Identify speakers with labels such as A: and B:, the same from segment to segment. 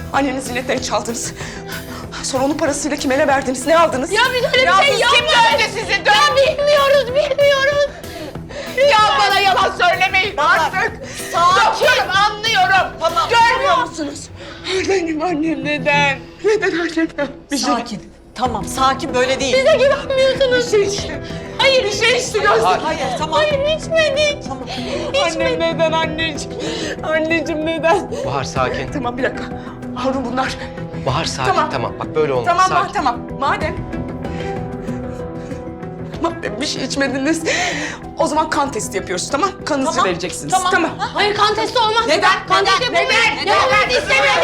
A: Annenin ziynetlerini çaldınız. Sonra onun parasıyla kime ne verdiniz? Ne aldınız?
B: Ya biz öyle bir şey yapmadık.
A: Kim dövdü sizi?
B: Ya bilmiyoruz.
A: Ya bana yalan söylemeyin artık. Sakin. Anlıyorum. Tamam. Görmüyor musunuz? Benim annem neden? Neden annem?
C: Sakin. Tamam, sakin, böyle değil.
B: Bize güvenmiyorsunuz.
A: Bir şey işte.
B: Hayır.
A: Bir şey işte göster.
C: Hayır, tamam.
B: Hayır içmedik.
C: Tamam.
A: Annem neden anneciğim? Anneciğim neden?
D: Bahar sakin.
A: Tamam bir dakika. Harun bunlar.
D: Bahar sakin.
A: Tamam.
D: Tamam. Bak böyle olmaz.
A: Tamam
D: sakin.
A: tamam. Madem bir şey içmediniz. O zaman kan testi yapıyoruz, tamam? Kanınızı
C: Tamam,
A: vereceksiniz.
C: tamam.
B: Hayır kan testi olmaz.
A: Neden?
B: Kan testi yapamayız. Neden? İstemiyorum.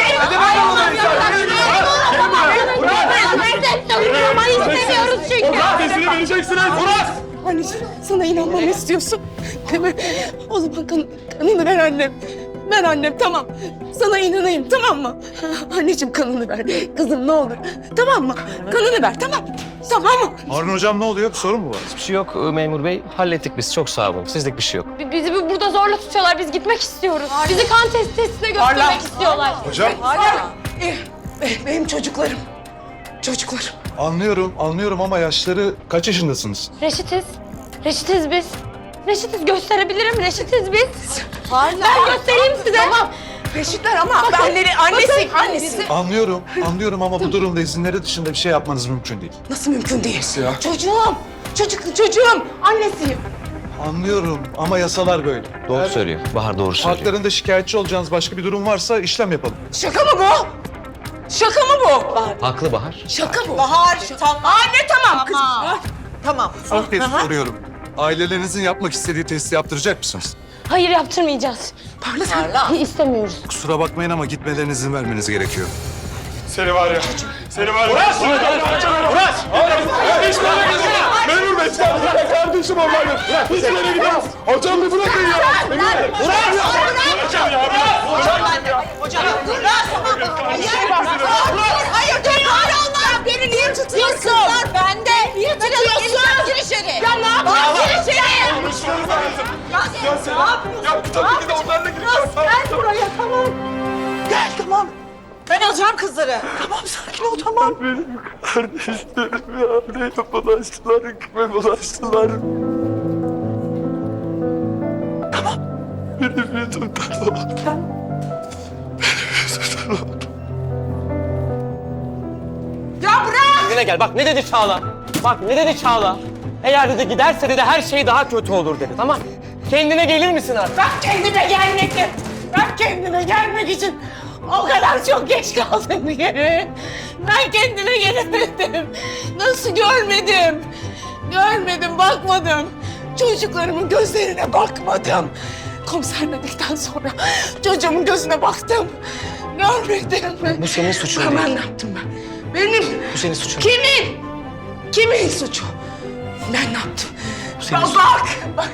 B: Ama istemiyoruz çünkü.
E: Testini vereceksiniz. Murat!
A: Anneciğim sana inanmamı istiyorsun. Değil mi? O zaman kanını ver annem. Ver annem tamam. Sana inanayım tamam mı? Anneciğim kanını ver. Kızım ne olur. Tamam mı? Kanını ver tamam. Tamam mı?
E: Harun hocam ne oluyor? Bir sorun mu var?
D: Hiçbir şey yok memur bey. Hallettik biz. Çok sağ olun. Sizlik bir şey yok.
B: Bizi burada zorla tutuyorlar. Biz gitmek istiyoruz. Bizi kan testine götürmek
A: Hala.
B: istiyorlar.
E: Hocam
A: Benim çocuklarım. Çocuklarım.
E: anlıyorum ama yaşları kaç yaşındasınız?
B: Reşitiz biz. Reşitiz gösterebilirim. Reşitiz biz. Ben göstereyim size. Tamam.
A: Reşitler ama annesi.
E: Anlıyorum ama bu durumda izinleri dışında bir şey yapmanız mümkün değil.
A: Nasıl mümkün değil?
E: Ya?
A: Çocuğum. Annesiyim.
E: Anlıyorum ama yasalar böyle.
D: Doğru söylüyor. Bahar doğru söylüyor.
E: Haklarında şikayetçi olacağınız başka bir durum varsa işlem yapalım.
A: Şaka mı bu? Şaka mı bu?
D: Haklı Bahar.
A: Şaka bu.
C: Bahar, tamam.
A: Anne tamam kızım.
C: Tamam.
E: Son kez soruyorum. Ailelerinizin yapmak istediği testi yaptıracak mısınız?
B: Hayır yaptırmayacağız.
A: Parla.
B: İstemiyoruz.
E: Kusura bakmayın ama gitmelerine izin vermeniz gerekiyor.
F: Seni var ya. Murat! Hiç böyle gitme. Memur Bey sen kardeşim onlarla. Hiç böyle gidemez. Hocam bir bırakın ya. Hocam ya.
C: Hocam, hayır, dur, olmaz. Beni niye tutuyorsun? Kızlar bende. Niye tutuyorsun? Gir içeri. Ya ne yapıyorsun? Gir içeri.
F: Konuşmanız lazım. Ya sen ya tabii ki de onlarla gideceğim.
C: Gel buraya, tamam. Gel, tamam. Ben alacağım kızları.
A: Tamam sakin ol tamam.
F: Benim kardeşlerim ya. Neye bulaştılar, kime bulaştılar. Tamam. Benim yüzümden oldu.
A: Ya bırak.
D: Kendine gel. Bak ne dedi Çağla? Bak ne dedi Çağla? Eğer dedi giderse dedi her şey daha kötü olur dedi. Tamam. Kendine gelir misin artık?
A: Ben kendime gelmek için o kadar çok geç kaldım yere. Ben kendime gelemedim. Nasıl görmedim? Görmedim, bakmadım. Çocuklarımın gözlerine bakmadım. Komiser dedikten sonra çocuğumun gözüne baktım. Görmedim.
D: Bu senin suçun
A: Ben
D: değil.
A: ne yaptım ben? Benim.
D: Bu senin suçun.
A: Kimin? Kimin suçu? Ben ne yaptım?
D: senin
A: Ya
D: suçun.
A: bak.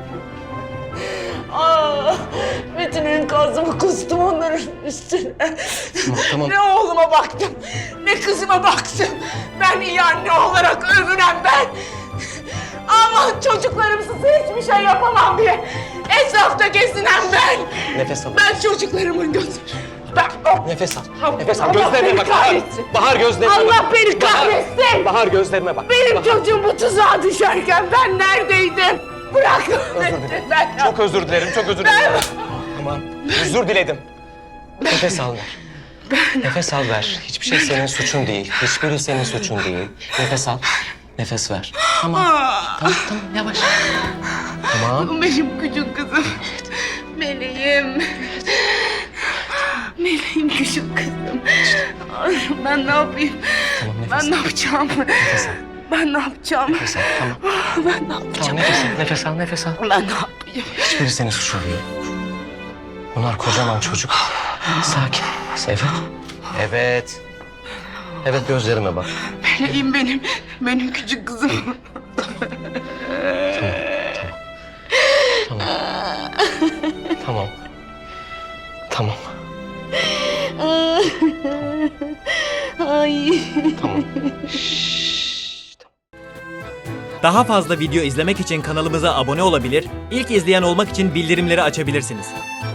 A: Bütün enkazımı kustum onların üstüne.
D: Tamam.
A: Ne oğluma baktım, ne kızıma baktım. Ben iyi anne olarak övünen ben. Ama çocuklarımsız hiçbir şey yapamam diye etrafta gezinen ben.
D: Nefes al.
A: Ben çocuklarımın gözü...
D: Nefes al.
A: Allah
D: Nefes al.
A: Allah
D: Gözlerine
A: beni
D: bak. Bahar.
A: kahretsin.
D: Bahar gözlerine bak.
A: Allah beni kahretsin.
D: Bahar gözlerime bak.
A: Benim
D: Bahar.
A: çocuğum bu tuzağa düşerken ben neredeydim? Bırakın
D: Özür
A: beni.
D: dilerim.
A: Ben
D: Çok özür dilerim. Çok özür dilerim. Tamam. Özür diledim. Nefes al ver. Nefes al ver. Hiçbir şey senin suçun değil. Hiçbiri senin suçun değil. Nefes al. Nefes ver. Tamam. Tamam yavaş. Tamam.
A: Benim küçük kızım. Meleğim. Meleğim küçük kızım. Ay, ben ne yapayım?
D: Tamam nefes
A: Ben
D: al.
A: ne yapacağım?
D: Nefes al.
A: Ben ne yapacağım?
D: Nefes al. Tamam.
A: Ben ne yapacağım?
D: Tamam nefes al. Nefes al. Nefes al.
A: Ben ne yapayım?
D: Hiçbiri senin suçun değil. Bunlar kocaman çocuk. Sakin. Evet. Evet. Evet gözlerime bak.
A: Meleğim benim. Benim küçük kızım.
D: Tamam. Tamam.
B: Ay.
D: Tamam.
G: Daha fazla video izlemek için kanalımıza abone olabilir, ilk izleyen olmak için bildirimleri açabilirsiniz.